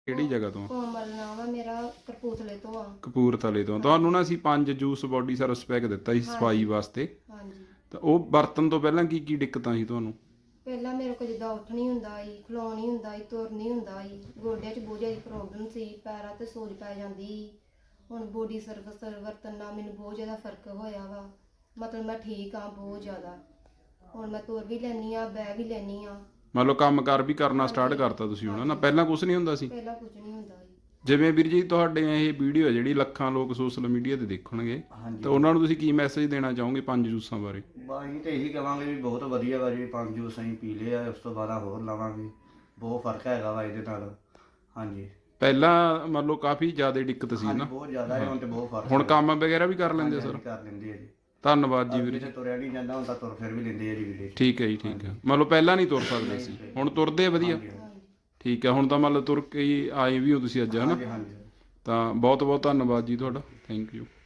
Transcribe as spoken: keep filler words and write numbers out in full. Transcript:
ਕਿਹੜੀ ਜਗ੍ਹਾ ਤੋਂ? ਕੋਮਲ ਨਾਮ ਆ ਮੇਰਾ, ਕਪੂਰਥਲੇ ਤੋਂ ਆ। ਕਪੂਰਥਲੇ ਤੋਂ। ਤੁਹਾਨੂੰ ਨਾ ਅਸੀਂ ਪੰਜ ਜੂਸ ਬੋਡੀ ਸਰਵਿਸ ਪੈਕ ਦਿੱਤਾ ਸੀ ਸਫਾਈ ਵਾਸਤੇ, ਹਾਂਜੀ। ਤਾਂ ਉਹ ਵਰਤਣ ਤੋਂ ਪਹਿਲਾਂ ਕੀ ਕੀ ਦਿੱਕਤਾਂ ਸੀ ਤੁਹਾਨੂੰ? ਪਹਿਲਾਂ ਮੇਰੇ ਕੋਲ ਜਿੱਦਾਂ ਉੱਠ ਨਹੀਂ ਹੁੰਦਾ ਸੀ, ਖਲੋਣ ਨਹੀਂ ਹੁੰਦਾ ਸੀ, ਤੁਰ ਨਹੀਂ ਹੁੰਦਾ ਸੀ, ਗੋਡਿਆਂ 'ਚ ਬਹੁਤ ਜ਼ਿਆਦਾ ਪ੍ਰੋਬਲਮ ਸੀ, ਪੈਰਾਂ ਤੇ ਸੋਜ ਪੈ ਜਾਂਦੀ ਸੀ। ਹੁਣ ਬੋਡੀ ਸਰਵਿਸ ਵਰਤਣ ਨਾਲ ਮੈਨੂੰ ਬਹੁਤ ਜ਼ਿਆਦਾ ਫਰਕ ਹੋਇਆ ਵਾ, ਮਤਲਬ ਮੈਂ ਠੀਕ ਆ ਬਹੁਤ ਜ਼ਿਆਦਾ। ਹੁਣ ਮੈਂ ਤੁਰ ਵੀ ਲੈਂਦੀ ਆ, ਬਹਿ ਵੀ ਲੈਂਦੀ ਆ। ਮੰਨ ਲਓ ਕੰਮ ਕਾਰ ਵੀ ਕਰਨਾ ਸਟਾਰਟ ਕਰਤਾ ਤੁਸੀਂ ਹੁਣ ਨਾ, ਪਹਿਲਾਂ ਕੁਝ ਨਹੀਂ ਹੁੰਦਾ ਸੀ? ਪਹਿਲਾਂ ਕੁਝ ਨਹੀਂ ਹੁੰਦਾ ਸੀ। ਜਿਵੇਂ ਵੀਰ ਜੀ ਤੁਹਾਡੇ ਇਹ ਵੀਡੀਓ ਹੈ ਜਿਹੜੀ ਲੱਖਾਂ ਲੋਕ ਸੋਸ਼ਲ ਮੀਡੀਆ ਤੇ ਦੇਖਣਗੇ, ਤਾਂ ਉਹਨਾਂ ਨੂੰ ਤੁਸੀਂ ਕੀ ਮੈਸੇਜ ਦੇਣਾ ਚਾਹੋਗੇ ਪੰਜ ਜੂਸਾਂ ਬਾਰੇ? ਅਸੀਂ ਤਾਂ ਇਹੀ ਕਹਾਂਗੇ ਵੀ ਬਹੁਤ ਵਧੀਆ ਵਾ ਜੀ, ਪੰਜ ਜੂਸ ਅਸੀਂ ਪੀ ਲਏ ਆ, ਉਸ ਤੋਂ ਬਾਅਦ ਹੋਰ ਲਵਾਂਗੇ। ਬਹੁਤ ਫਰਕ ਹੈਗਾ ਵਾ ਇਹਦੇ ਨਾਲ। ਹਾਂਜੀ, ਪਹਿਲਾਂ ਮੰਨ ਲਓ ਕਾਫੀ ਜ਼ਿਆਦਾ ਦਿੱਕਤ ਸੀ ਨਾ, ਬਹੁਤ ਜ਼ਿਆਦਾ ਹੈ, ਹੁਣ ਤੇ ਬਹੁਤ ਫਰਕ। ਹੁਣ ਕੰਮ ਵਗੈਰਾ ਵੀ ਕਰ ਲੈਂਦੇ ਸਰ? ਕਰ ਲੈਂਦੇ ਆ ਜੀ। ਧੰਨਵਾਦ ਜੀ ਵੀਰ ਜੀ। ਤੁਰਿਆ ਨਹੀਂ ਜਾਂਦਾ ਹੁਣ ਤਾਂ ਤੁਰ ਫਿਰ ਵੀ ਲੈਂਦੇ ਆ ਜੀ ਵੀਰੇ। ਠੀਕ ਹੈ ਜੀ, ਠੀਕ ਹੈ। ਮੰਨ ਲਓ ਪਹਿਲਾਂ ਨਹੀਂ ਤੁਰ ਸਕਦੇ ਸੀ, ਹੁਣ ਤੁਰਦੇ ਆ ਵਧੀਆ? ਠੀਕ ਹੈ। ਹੁਣ ਤਾਂ ਮੰਨ ਲਓ ਤੁਰ ਕੇ ਹੀ ਆਏ ਵੀ ਹੋ ਤੁਸੀਂ ਅੱਜ, ਹੈ ਨਾ? ਹਾਂਜੀ। ਤਾਂ ਬਹੁਤ ਬਹੁਤ ਧੰਨਵਾਦ ਜੀ ਤੁਹਾਡਾ, ਥੈਂਕ ਯੂ।